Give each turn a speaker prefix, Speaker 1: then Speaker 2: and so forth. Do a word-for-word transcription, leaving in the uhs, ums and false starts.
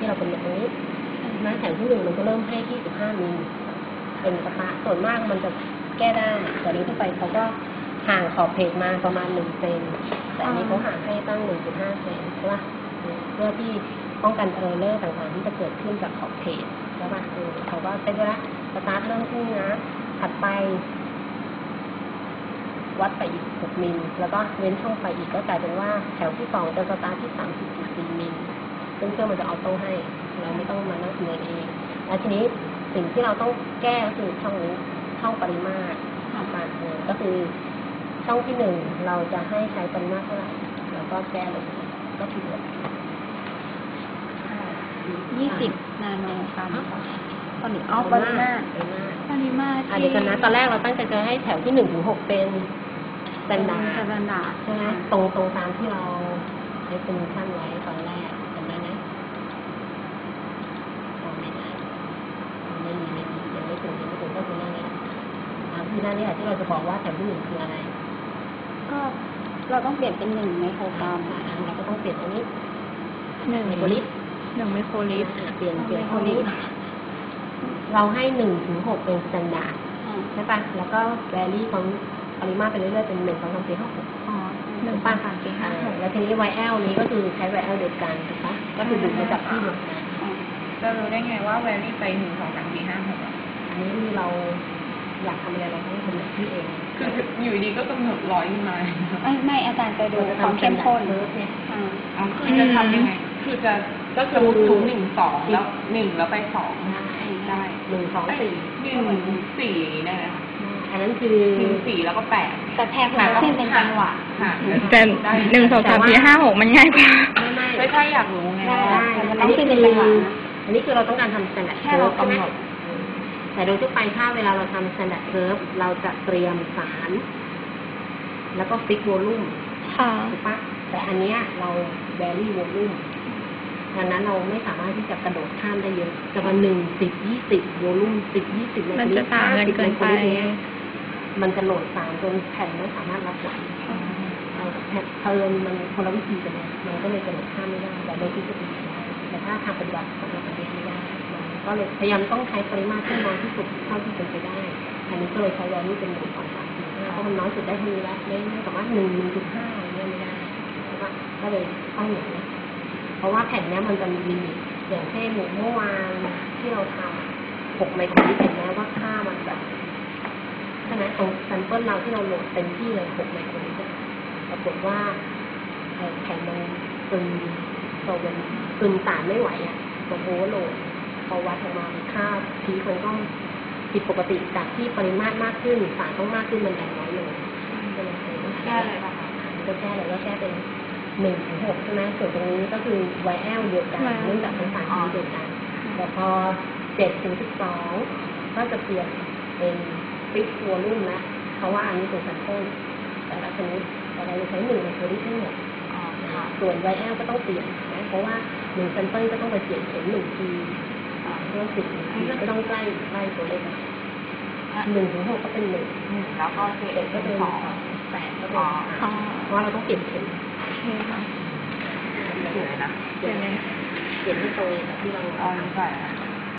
Speaker 1: ที่เรากำหนดตรงนี้นะแถวที่หนึ่งมันก็เริ่มให้ที่สิบห้ามิลเป็นสตาร์ทส่วนมากมันจะแก้ได้แต่นี้ทั่วไปเขาก็ห่างขอบเพจมาประมาณหนึ่งเซนแต่อันนี้เขาห่างให้ตั้งหนึ่งจุดห้าเซนใช่ป่ะเพื่อที่ป้องกันเออร์เลอร์ต่างๆที่จะเกิดขึ้นจากขอบเพจใช่ป่ะเออเขาก็เซ็ตไว้ละสตาร์ทเริ่มขึ้นนะถัดไปวัดไปอีกหกมิลแล้วก็เว้นช่องไปอีกก็กลายเป็นว่าแถวที่สองจะสตาร์ทที่สามสิบจุดสี่มิลซึ่งเครื่องมันจะออโต้ให้เราไม่ต้องมานั่งคำนวณเองแล้วทีนี้สิ่งที่เราต้องแก้ก็คือช่องนี้ช่องปริมาตรการเงินก็คือช่องที่หนึ่งเราจะให้ใช้ปริมาตรเท่าไหร่แล้วก็แก้เลยก็ผิดเลย
Speaker 2: ยี่สิบนาโนกรัมตอนนี้เอาปริมาตรปริมาตร
Speaker 1: อ่ะเดี๋ยวกันนะตอนแรกเราตั้งใจจะให้แถวที่หนึ่งถึงหกเป็นสแตนดาร์ด
Speaker 2: สแตนดาร์ด
Speaker 1: ใช่ไหมตรงตรงตามที่เราใช้เป็นขั้นไว้ตอนแรกจำได้ไหมไม่ได้ไม่มีไม่มียังไม่ถึงยังไม่ถึงก็คือหน้านี้อ่าคือหน้านี้แหละที่เราจะบอกว่าแถวที่หนึ่งคืออะไร
Speaker 2: ก็เราต้องเปลี่ยนเป็นหนึ่งไมโครกรัม
Speaker 1: เราก็ต้องเปลี่ยนตรงนี้
Speaker 2: หนึ่งไมโครลิตรหนึ่งไมโครลิตร
Speaker 1: เปลี่ยนเปลี่ยนตรงนี้เราให้หนึ่งถึงหกเป็นสแตนดาร์ดใช่ปะแล้วก็แวรี่ของปริมาตรไปเรื่อยๆเป็นหนึ่งสองสามสี่ห้าหก
Speaker 2: อ๋อหนึ่งสองสามสี่ห้าหก
Speaker 1: แล้วทีนี้ไวแอลนี้ก็คือใช้ไวแอลเดียวกันถูกปะก็คือดูดมาจากที่เดียวกัน
Speaker 3: จะรู้ได้ไงว่าแวรี่ไปหนึ่งสองสามสี่ห้าหก
Speaker 1: อันนี้คือเราอยากทำอะไรเราต้องกำหนดที่เอง
Speaker 3: คืออยู่ดีก็กำหนดร้อยขึ้นมา
Speaker 2: ไม่อาจารย์จะดูความเข้มข้น
Speaker 1: เนี่ย
Speaker 3: อ๋อคือจะทำยังไงคือจะก็คือทุกหนึ่งสองแล้วหนึ่งแล้วไปสองได้
Speaker 1: หนึ่งสองสี่
Speaker 3: หนึ่งสี่อย่างนี้ได้ไหมคะ
Speaker 1: อันนั้นคือ
Speaker 3: หนึ่งสี่แล้วก็แปด
Speaker 2: แต่แพรหัวเส้นเป็นจังหวะ
Speaker 4: แต่หนึ่งสองสามสี่ห้าหกมันง่ายกว่า
Speaker 3: ไม่ใช่อยากรู้ไง
Speaker 1: มันต้องเป็นจังหวะอันนี้คือเราต้องการทำสแตนดาร์ดเคิร์ฟใช่ไหมแต่โดยทั่วไปถ้าเวลาเราทำสแตนดาร์ดเคิร์ฟเราจะเตรียมสารแล้วก็ฟิกโวลูมถูกปะแต่อันนี้เราแวรี่โวลูมดังนั้นเราไม่สามารถที่จะกระโดดข้ามได้เยอะจะมาหนึ่งสิบยี่สิบโวลูมสิบยี่สิบ
Speaker 4: มันจะต่างกันเกินไป
Speaker 1: มันจะโหลดสารจนแผ่นไม่สามารถรับไหวแผ่นเทิร์นมันคนละวิธีกันเนี่ยมันก็เลยกระโดดข้ามไม่ได้แต่โดยทฤษฎีได้แต่ถ้าทางปฏิบัติของเราปฏิบัติไม่ได้ก็เลยพยายามต้องใช้ปริมาตรที่น้อยที่สุดเท่าที่เป็นไปได้อันนี้ก็เลยใช้แวลูเป็นหนึ่งสองสามสี่ห้าเพราะมันน้อยสุดได้เท่านี้แล้วไม่ไม่สามารถหนึ่งหนึ่งจุดห้าอะไรเงี้ยไม่ได้แล้วก็ก็เลยต้องอย่างนี้เพราะว่าแผ่นนี้มันจะมีลิมิตอย่างเช่นเมื่อวานที่เราทำหกไมโครลิตรเห็นไหมว่าค่ามันแบบใช่ไหมตรงแซมเปิลเราที่เราโหลดเต็มที่เลยหกไมโครลิตรปรากฏว่าแผ่นมันซึมโซเวนซึมสารไม่ไหวอ่ะตัวโอเวอร์โหลดพอวัดออกมาค่าพีมันก็ผิดปกติจากที่ปริมาตรมากขึ้นสารต้องมากขึ้นมันแดงน้อยลงก็เลย
Speaker 3: แก้เลยป่ะคะ
Speaker 1: ก็แก้เลยก็แก้เป็นหนึ่งถึงหกใช่ไหมส่วนตรงนี้ก็คือไวแอลเดียวกันเนื่องจากเป็นสารที่เดียวกันแต่พอเจ็ดถึงสิบสองก็จะเปลี่ยนเป็นฟิกวอลลุ่มนะเพราะว่าอันนี้เป็นแซมเปิลแต่ละชนิดแต่เราจะใช้หนึ่งไมโครลิตรทั้งหมดส่วนไวแอลก็ต้องเปลี่ยนนะเพราะว่าหนึ่งแซมเปิลก็ต้องไปเปลี่ยนเป็นหนึ่งทีเรื่องสิบก็ต้องใกล้ใกล้ตัวเลขหนึ่งถึงหกก็เป็นหนึ่ง
Speaker 3: แล้วก็เจ็ด
Speaker 1: ก็เป็นสองแปดก็เป็นเพราะว่าเราต้องเปลี่ยนเข็ม
Speaker 3: เปลี่ยนเลยนะ
Speaker 1: เปลี่ยนเปลี่ยนที่ตรงที่เรา
Speaker 3: เอาใส่